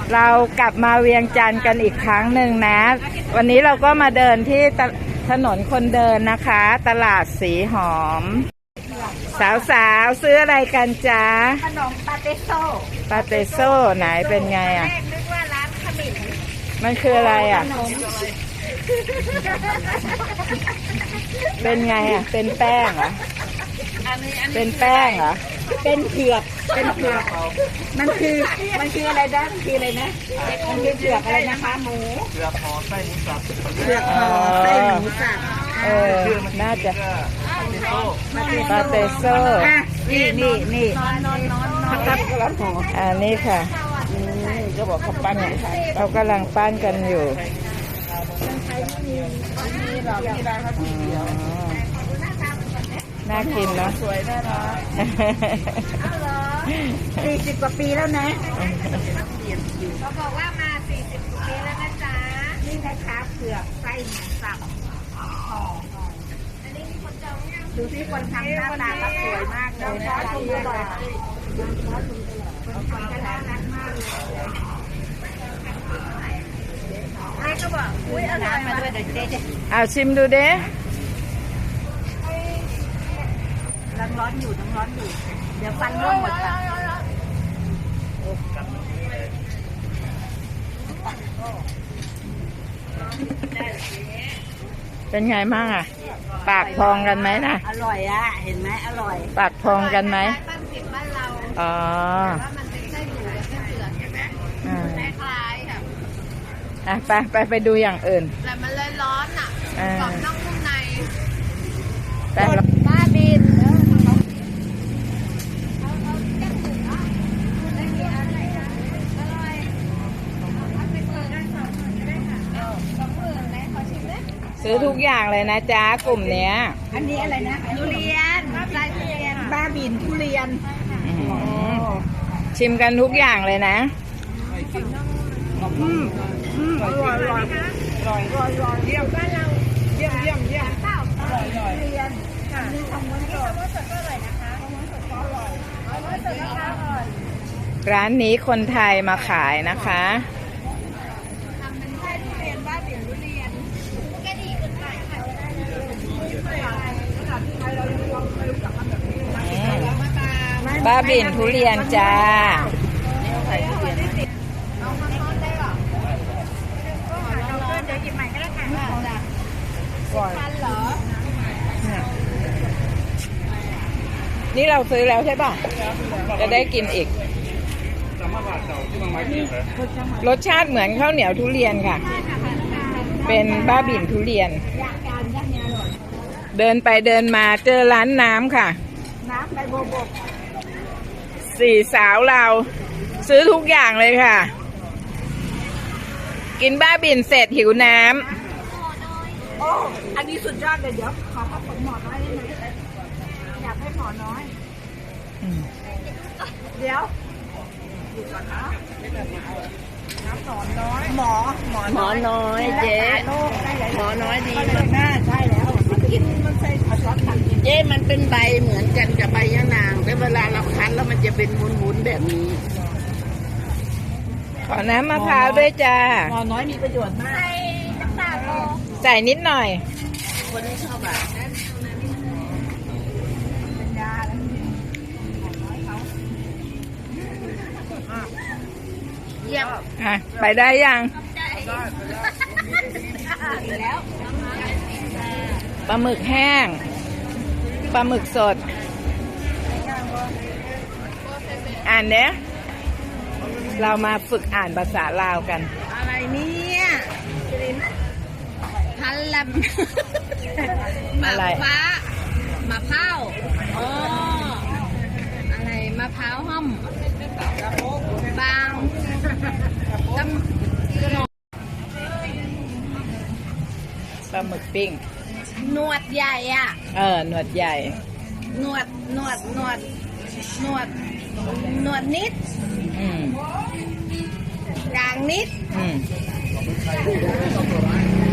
เรากลับมาเวียงจันทร์กันอีกครั้งหนึ่งนะ วันนี้เราก็มาเดินที่ถนนคนเดินนะคะ ตลาดสีหอม สาวๆซื้ออะไรกันจ๊ะขนมปาเตโซ่ปาเตโซ่ไหนเป็นไงอ่ะนึกว่าร้านขมิ้นมันคืออะไรอ่ะเป็นไงอ่ะเป็นแป้งเหรอเป็นแป้งเหรอเป็นเผือกเป็นเผือกมันคืออะไรนะคืออะไรนะมันคือเผือกอะไรนะคะหมูเผือกห่อไส้หมูสับเผือกห่อไส้หมูสับน่าจะปาเตโซ่นี่ครับนี่ค่ะก็บอกเขาปั้นอย่างไรเขากำลังปั้นกันอยู่น่ากินเนาะสวยน่ารัก 40 กว่าปีแล้วนะเขาบอกว่ามา40 กว่าปีแล้วนะจ๊ะนี่นะคะเผือกไส้หมูสับห่อดูที่คนทำหน้าตาก็สวยมากเลยนะคนทำก็น่ารักมากเลยแม่ก็บอกอุ้ยเอาน้ำมาด้วยเดี๋ยวเจ๊ชิมดูเด้น้ำร้อนอยู่เดี๋ยวฟันร่วงหมดค่ะเป็นไงบ้างอ่ะปากพองกันไหมนะอร่อยอ่ะเห็นไหมอร่อยปากพองกันไหมบ้านเราอ๋อว่ามันเป็นไส้หมูกับไส้เผือกใช่ไหมคล้ายๆไปค่ะไปดูอย่างอื่นแต่มันเลยร้อนอ่ะกรอบนอกนุ่มในบ้าบินซื้อทุกอย่างเลยนะจ๊ะกลุ่มเนี้ยอันนี้อะไรนะทุเรียนไส้ทุเรียนบ้าบินทุเรียนชิมกันทุกอย่างเลยนะอร่อยเยี่ยมบ้านเราเยี่ยมข้าวอร่อยทุเรียนนี่ทำม้วนสดก็อร่อยนะคะม้วนสดก็อร่อยม้วนสดนะคะอร่อยร้านนี้คนไทยมาขายนะคะทำเป็นไส้ทุเรียนบ้าบินทุเรียนก็ดีขึ้นไปค่ะบ้าบินทุเรียนจ้านี่เราซื้อแล้วใช่ป่ะจะได้กินอีกรสชาติเหมือนข้าวเหนียวทุเรียนค่ะเป็นบ้าบิ่นทุเรียนเดินไปเดินมาเจอร้านน้ำค่ะน้ำใบโบก 4 สาวเราซื้อทุกอย่างเลยค่ะกินบ้าบิ่นเสร็จหิวน้ำโอ้อันนี้สุดยอดเลยเดี๋ยวขอผสมหมอน้อยได้ไหมอยากให้หมอน้อยเดี๋ยวหมอน้อยเจ๊หมอน้อยดีมากใช่แล้วกินมันใส่ซอสตักเจ๊มันเป็นใบเหมือนกันกับใบยะนางแต่เวลาเราคั้นแล้วมันจะเป็นวุ้นๆแบบนี้ขอน้ำมะพร้าวด้วยจ้าหมอน้อยมีประโยชน์มากใส่นิดหน่อยคนที่ชอบแบบเป็นยาเยี่ยมไปได้ยังปลาหมึกแห้งปลาหมึกสดอ่านเนี้ยเรามาฝึกอ่านภาษาลาวกันอะไรเนี่ยพันลำมะฟ้ามะพร้าวอะไรมะพร้าวห้อมบางปลาหมึกปิ้งหนวดใหญ่อ่ะหนวดใหญ่หนวดนิดกลางนิด